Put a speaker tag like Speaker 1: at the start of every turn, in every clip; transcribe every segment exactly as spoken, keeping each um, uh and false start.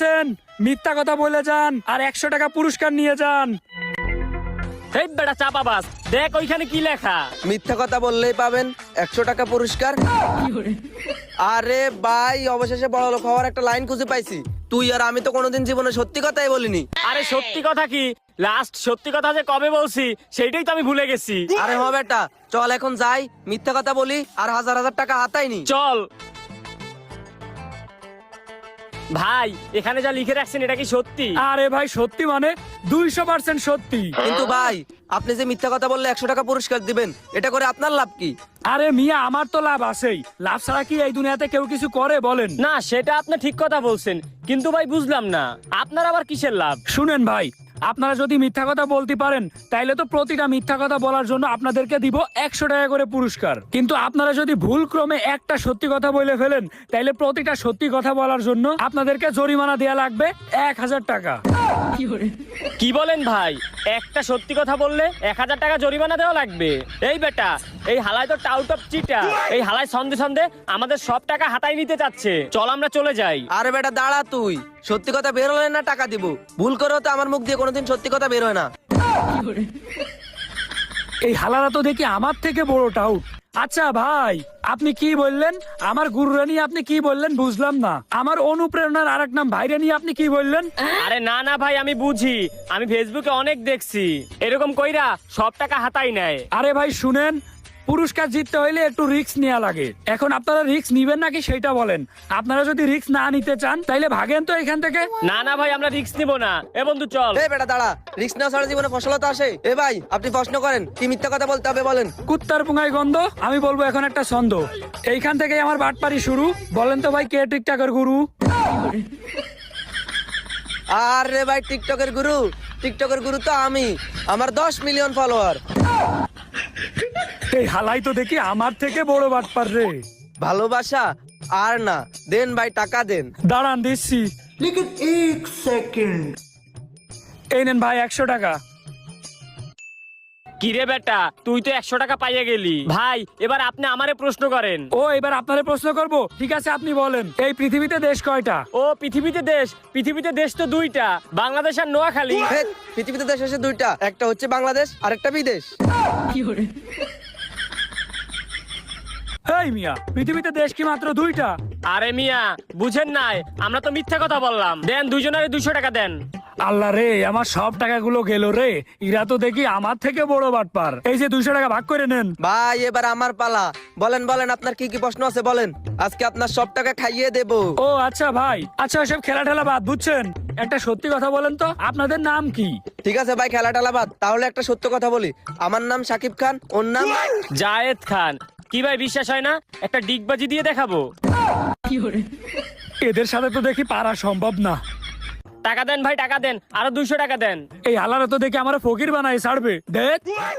Speaker 1: আছেন মিথ্যা কথা বলে যান আর একশো টাকা পুরস্কার নিয়ে যান।
Speaker 2: এই বেটা চাপাবাজ, দেখ ওইখানে কি লেখা।
Speaker 3: মিথ্যা কথা বললেই পাবেন একশো টাকা পুরস্কার। আরে ভাই, অবশেষে বড় লোক হওয়ার একটা লাইন খুঁজে পাইছি। তুই আর আমি তো কোনোদিন জীবনে সত্যি কথাই বলিনি।
Speaker 2: আরে সত্যি কথা কি, লাস্ট সত্যি কথা যে কবে বলছি সেইটাই তো আমি ভুলে গেছি।
Speaker 3: আরে হ বেটা, চল এখন যাই, মিথ্যা কথা বলি আর হাজার হাজার টাকা হাতাইনি।
Speaker 2: চল ভাই, এখানে যা লিখে রাখছেন এটা কি সত্যি?
Speaker 1: আরে ভাই সত্যি মানে দুইশো পার্সেন্ট সত্যি।
Speaker 3: কিন্তু ভাই, আপনি যে মিথ্যা কথা বললে একশো টাকা পুরস্কার দিবেন, এটা করে আপনার লাভ কি?
Speaker 1: আরে মিয়া, আমার তো লাভ আছেই। লাভ ছাড়া কি এই দুনিয়াতে কেউ কিছু করে বলেন?
Speaker 2: না, সেটা আপনি ঠিক কথা বলছেন, কিন্তু ভাই বুঝলাম না আপনার আবার কিসের লাভ?
Speaker 1: শুনেন ভাই, আপনারা যদি মিথ্যা কথা বলতে পারেন তাইলে তো প্রতিটা মিথ্যা কথা বলার জন্য আপনাদেরকে দিব একশো টাকা করে পুরস্কার। কিন্তু আপনারা যদি ভুল ক্রমে একটা সত্যি কথা বলে ফেলেন তাইলে প্রতিটা সত্যি কথা বলার জন্য আপনাদেরকে জরিমানা দেয়া লাগবে এক হাজার টাকা।
Speaker 2: কি বলেন ভাই, একটা সত্যি কথা বললে এক হাজার টাকা জরিমানা দেওয়া লাগবে? এই বেটা, এই হালাই তো টাউট অফ চিটা। এই হালাই সন্ধে সন্ধে আমাদের সব টাকা হাতায় নিতে চাচ্ছে। চল আমরা চলে যাই।
Speaker 3: আরে বেটা দাঁড়া, তুই সত্যি কথা বের হলে না টাকা দিব। ভুল করেও তো আমার মুখ দিয়ে কোনোদিন সত্যি কথা বের হয় না।
Speaker 1: এই হালারা তো দেখি আমার থেকে বড় টাউট। আচ্ছা ভাই, আপনি কি বললেন? আমার গুরুরা নিয়ে আপনি কি বললেন বুঝলাম না। আমার অনুপ্রেরণার আরেক নাম ভাইরা নিয়ে আপনি কি বললেন?
Speaker 2: আরে না না ভাই, আমি বুঝি, আমি ফেসবুকে অনেক দেখছি এরকম কইরা সব টাকা হাতাই নেয়।
Speaker 1: আরে ভাই শুনেন, পুরস্কার জিততে হইলে একটু রিস্ক নেওয়া লাগে। এখন আপনারা রিস্ক নিবেন নাকি সেটা বলেন। আপনারা যদি রিস্ক না নিতে চান তাইলে ভাগেন তো এখান থেকে।
Speaker 2: না না ভাই, আমরা রিস্ক নিব না। এ বন্ধু চল।
Speaker 3: এই বেটা দাঁড়া, রিস্ক না ছাড়া জীবনে ফসলতা আসে? এ ভাই, আপনি প্রশ্ন করেন, কি মিথ্যা কথা বলতে হবে বলেন।
Speaker 1: কুত্তার পুঙ্গায় গন্ধ। আমি বলবো এখন একটা ছন্দ। এইখান থেকে আমার বাটপারি শুরু। বলেন তো ভাই, কে টিকটকের গুরু?
Speaker 3: আরে ভাই, টিকটকের গুরু? টিকটকের গুরু তো আমি। আমার দশ মিলিয়ন ফলোয়ার।
Speaker 1: এই হালাই তো দেখি আমার থেকে বড় বাটপার রে।
Speaker 3: ভালোবাসা আর না, দেন ভাই টাকা দেন।
Speaker 1: দাঁড়ান দিচ্ছি। এই নেন ভাই একশো টাকা।
Speaker 2: কি রে বেটা, তুই তো একশো টাকা পাইয়ে গেলি। ভাই এবার আপনি আমারে প্রশ্ন করেন।
Speaker 1: ও, এবার আপনারে প্রশ্ন করব। ঠিক আছে, আপনি বলেন, এই পৃথিবীতে দেশ কয়টা?
Speaker 2: ও পৃথিবীতে দেশ? পৃথিবীতে দেশ তো দুইটা, বাংলাদেশ আর নোয়াখালী।
Speaker 3: হেৎ, পৃথিবীতে দেশ আছে দুইটা, একটা হচ্ছে বাংলাদেশ আর একটা বিদেশ।
Speaker 1: এই মিয়া, পৃথিবীতে দেশ কি মাত্র দুইটা?
Speaker 2: আরে মিয়া বুঝেন নাই, আমরা তো মিথ্যা কথা বললাম। দেন দুইজনের দুইশো টাকা দেন।
Speaker 1: আল্লাহ রে, আমার সব টাকাগুলো গেল রে। ইরা তো দেখি আমার থেকে বড় বাটপার। এই যে দুইশো টাকা ভাগ করে নেন।
Speaker 3: ভাই এবার আমার পালা। বলেন বলেন, আপনার কি কি প্রশ্ন আছে বলেন, আজকে আপনার সব টাকা খাইয়ে দেবো।
Speaker 1: ও আচ্ছা ভাই, আচ্ছা সব খেলা ঠেলা বাদ, বুঝছেন? একটা সত্যি কথা বলেন তো, আপনাদের নাম কি?
Speaker 3: ঠিক আছে ভাই, খেলা টেলা বাদ, তাহলে একটা সত্য কথা বলি। আমার নাম সাকিব খান, ওর নাম
Speaker 2: জায়েদ খান। কি ভাই বিশ্বাস হয় না? একটা ডিগবাজি দিয়ে দেখাবো।
Speaker 1: এদের সাথে তো দেখি পারা সম্ভব না।
Speaker 2: টাকা দেন ভাই, টাকা দেন, আরো দুইশো টাকা দেন।
Speaker 1: এই হালারা তো দেখি আমার ফকির বানাই ছাড়বে। দেখ,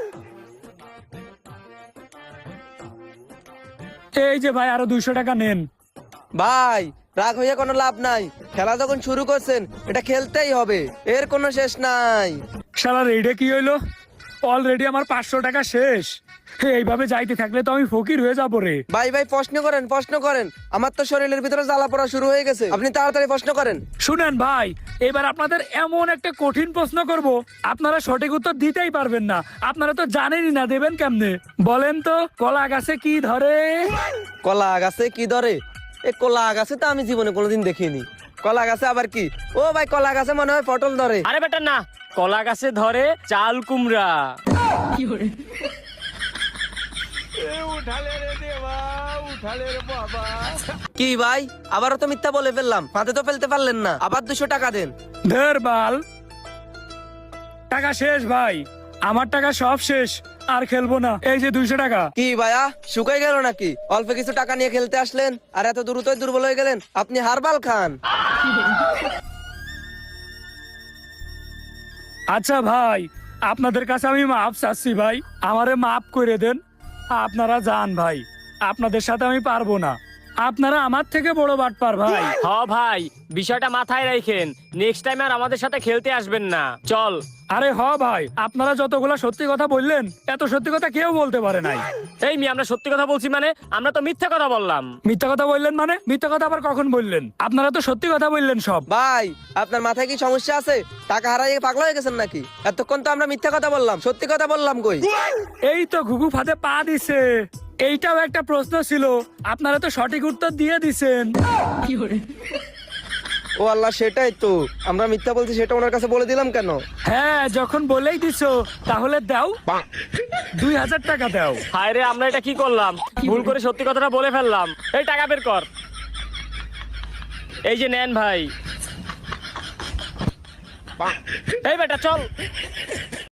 Speaker 1: এই যে ভাই আরো দুইশো টাকা নেন।
Speaker 3: ভাই রাগ হইয়া কোনো লাভ নাই। খেলা যখন শুরু করছেন, এটা খেলতেই হবে, এর কোনো শেষ নাই।
Speaker 1: শালা রেডে কি হইলো? অলরেডি আমার পাঁচশো টাকা শেষ। এইভাবে যাইতে থাকলে তো আমি ফকির হয়ে যাবো রে।
Speaker 3: ভাই ভাই প্রশ্ন করেন, প্রশ্ন করেন, আমার তো শরীরের ভিতরে জ্বালা পড়া শুরু হয়ে গেছে। আপনি তাড়াতাড়ি প্রশ্ন করেন।
Speaker 1: শুনেন ভাই, এবার আপনাদের এমন একটা কঠিন প্রশ্ন করব, আপনারা সঠিক উত্তর দিতেই পারবেন না। আপনারা তো জানেনই না, দেবেন কেমনে? বলেন তো, কলা গাছে কি ধরে?
Speaker 3: কলা গাছে কি ধরে? এ কলা গাছে তো আমি জীবনে কোনোদিন দেখিনি। কলা গাছে আবার কি? ও ভাই, কলা গাছে মনে হয় পটল ধরে।
Speaker 2: আরে বেটা না, কলা গাছে ধরে চাল কুমড়া।
Speaker 3: কি ভাই, আবারও তো মিথ্যা বলে ফেললাম। হাতে তো ফেলতে পারলেন না, আবার দুশো টাকা দেন।
Speaker 1: ধের বাল, টাকা শেষ ভাই, আমার টাকা সব শেষ, আর খেলবো না। এই যে দুইশো টাকা।
Speaker 3: কি ভাইয়া, শুকাই গেল নাকি? অল্প কিছু টাকা নিয়ে খেলতে আসলেন আর এত দ্রুতই দুর্বল হয়ে গেলেন। আপনি হারবাল খান।
Speaker 1: আচ্ছা ভাই, আপনাদের কাছে আমি মাপ চাচ্ছি ভাই, আমারে মাপ করে দেন। আপনারা যান ভাই, আপনাদের সাথে আমি পারবো না। আপনারা আমার থেকে বড় বাটপার ভাই।
Speaker 2: হ ভাই, বিষয়টা মাথায় রাখেন, নেক্সট টাইম আর আমাদের সাথে খেলতে আসবেন না। চল।
Speaker 1: আরে হ ভাই, আপনারা যতগুলা সত্যি কথা বললেন এত সত্যি কথা কেউ বলতে পারে নাই।
Speaker 2: এই মি আমরা সত্যি কথা বলছি মানে? আমরা তো মিথ্যা কথা বললাম।
Speaker 1: মিথ্যা কথা বললেন মানে? মিথ্যা কথা আবার কখন বললেন? আপনারা তো সত্যি কথা বললেন সব।
Speaker 3: ভাই আপনার মাথায় কি সমস্যা আছে? টাকা হারাইয়ে পাগলা হয়ে গেছেন নাকি? এতক্ষণ তো আমরা মিথ্যা কথা বললাম, সত্যি কথা বললাম কই?
Speaker 1: এই তো ঘুঘু ফাঁদে পা দিছে। এইটাও একটা প্রশ্ন ছিল, আপনারা তো সঠিক উত্তর দিয়ে দিছেন।
Speaker 3: ও আল্লাহ, সেটাই তো, আমরা মিথ্যা বলছি সেটা ওনার কাছে বলে দিলাম কেন?
Speaker 1: হ্যাঁ, যখন বলেই দিছো তাহলে দাও, দুই হাজার টাকা দাও।
Speaker 2: হায় রে, আমরা এটা কি করলাম? ভুল করে সত্যি কথাটা বলে ফেললাম। এই টাকা বের কর। এই যে নেন ভাই। এই বেটা চল।